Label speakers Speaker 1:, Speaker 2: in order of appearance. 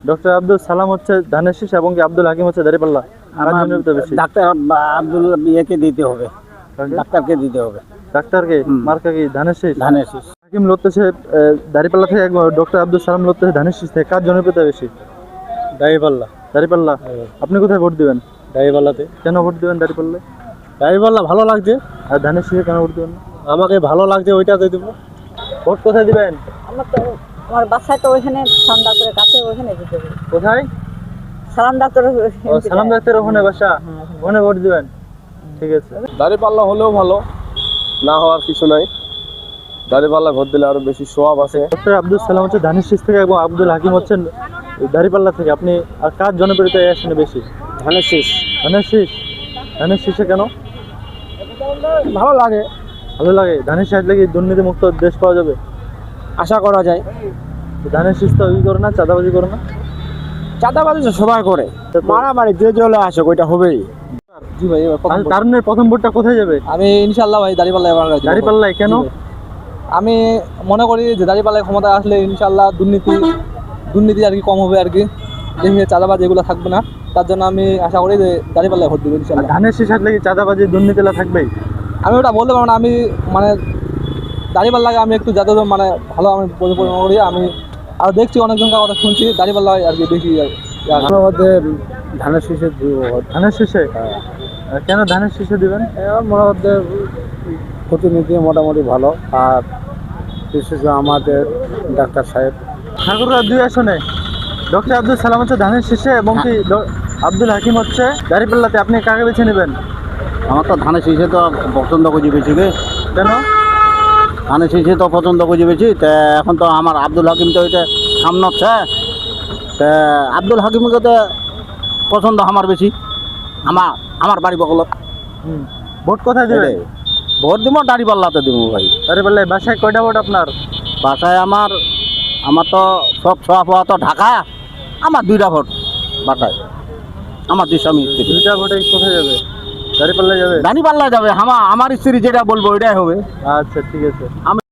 Speaker 1: Doctor Abdul সালাম হচ্ছে ধানের শীষ এবং কি আব্দুল হাকিম হচ্ছে দাঁড়িপাল্লা। কার জন্য বেশি?
Speaker 2: ডাক্তার আব্দুল ইয়েকে দিতে হবে, ডাক্তারকে দিতে হবে।
Speaker 1: ডাক্তারকে? মার্কা কি ধানের শীষ?
Speaker 2: ধানের শীষ।
Speaker 1: হাকিম লড়তেছে দাঁড়িপাল্লা থেকে, ডক্টর আব্দুল সালাম লড়তেছে ধানের শীষ থেকে। কার জনপ্রিয়তা বেশি?
Speaker 2: দাঁড়িপাল্লা।
Speaker 1: দাঁড়িপাল্লা। আপনি কোথায় ভোট দিবেন?
Speaker 2: দাঁড়িপাল্লাতে।
Speaker 1: কেন ভোট দিবেন দাঁড়িপাল্লায়?
Speaker 2: দাঁড়িপাল্লা ভালো লাগছে।
Speaker 1: আর ধানের শীষে কেন ভোট দিবেন?
Speaker 2: আমাকে ভালো লাগছে, ওইটাতে দেবো।
Speaker 1: ভোট কোথায় দিবেন?
Speaker 3: আমার বাসায় তো ওইখানে সালাম ডাক্তারের কাছে, ওইখানে দিতে হবে।
Speaker 1: কোথায়?
Speaker 3: সালাম ডাক্তার।
Speaker 1: সালাম ডাক্তার ওখানে বাসা, ওখানে ভোট দিবেন। ঠিক আছে।
Speaker 4: দাঁড়িপাল্লা হলেও ভালো, না হওয়ার কিছু নাই। দাঁড়িপাল্লা ভোট দিলে আরো বেশি সোয়াব আছে।
Speaker 1: ডক্টর আব্দুল সালাম হচ্ছে ধানের শীষ থেকে এবং আব্দুল হাকিম হচ্ছেন দাঁড়িপাল্লা থেকে। আপনি আর কার জনপ্রিয়তা আসেন বেশি?
Speaker 2: ধানের শীষ।
Speaker 1: ধানের শীষ। ধানের শীষে কেন
Speaker 2: ভালো লাগে,
Speaker 1: ভালো লাগে? ধানের শীষ লাগি দুর্নীতি মুক্ত দেশ পাওয়া যাবে,
Speaker 2: আশা করা যায়।
Speaker 1: ধানের শীষ তো করে না, চাঁদাবাজি করে না।
Speaker 2: চাঁদাবাজি তো সবাই করে, মারামারি যে চলে আসে ওইটা হবেই।
Speaker 4: জি ভাই,
Speaker 1: তারুণের প্রথম ভোটটা কোথায় যাবে?
Speaker 4: আমি ইনশাল্লাহ ভাই দাঁড়িপাল্লায় এবার
Speaker 1: দাঁড়িপাল্লায়। কেন?
Speaker 4: আমি মনে করি যে দাঁড়িপাল্লায় ক্ষমতায় আসলে ইনশাল্লাহ দুর্নীতি আর কি কম হবে আর কি, দেখে চাঁদাবাজি এগুলো থাকবে না। তার জন্য আমি আশা করি যে দাঁড়িপাল্লায় ভোট দেবো ইনশাল্লাহ।
Speaker 1: ধানের শীষ লাগি চাঁদাবাজি দুর্নীতিলা থাকবেই।
Speaker 4: আমি ওটা বলতে পারবো না, আমি মানে দাঁড়িপাল্লাকে আমি একটু যাতে মানে ভালো আমি পরিচালনা করি। আমি আর দেখছি অনেকজনকার কথা শুনছি দাঁড়িপাল্লায় আর কি বেশি।
Speaker 2: আমার মধ্যে ধানের শীষে দিব।
Speaker 1: ধানের শীষে? কেন ধানের শীষে দিবেন?
Speaker 2: আমার মনে মধ্যে প্রতিনিধি মোটামুটি ভালো, আর বিশেষ করে আমাদের ডাক্তার সাহেব।
Speaker 1: ঠাকুররা দুই আসনে ডক্টর আব্দুল সালাম হচ্ছে ধানের শীষে এবং কি আব্দুল হাকিম হচ্ছে দাঁড়িপাল্লাতে। আপনি কাকে বেছে নেবেন?
Speaker 2: আমার তো ধানের শীষে তো পছন্দ করছি বেশি।
Speaker 1: কেন?
Speaker 2: ধানের শীষে তো পছন্দ করছি বেশি। তা এখন তো আমার আব্দুল হাকিম তো ওইটা সামনে হচ্ছে, তা আব্দুল হাকিমকে তো পছন্দ আমার বেশি। আমার বাড়ি বকল।
Speaker 1: ভোট কোথায় দেবেন?
Speaker 2: ভোট দিব দাঁড়িপাল্লাতে দিব ভাই।
Speaker 1: দাঁড়িপাল্লায়। বাসায় কয়টা ভোট আপনার?
Speaker 2: বাসায় আমার তো সব ছোঁয়া ফোয়া তো ঢাকা। আমার 2টা ভোট বাসায়, আমার 2 স্বামী স্ত্রী।
Speaker 1: 2টা ভোটে কোথায় যাবে? দাঁড়িপাল্লায় যাবে।
Speaker 2: দাঁড়িপাল্লা যাবে। আমার স্ত্রী যেটা বলবো ওইটাই হবে।
Speaker 1: আচ্ছা, ঠিক আছে।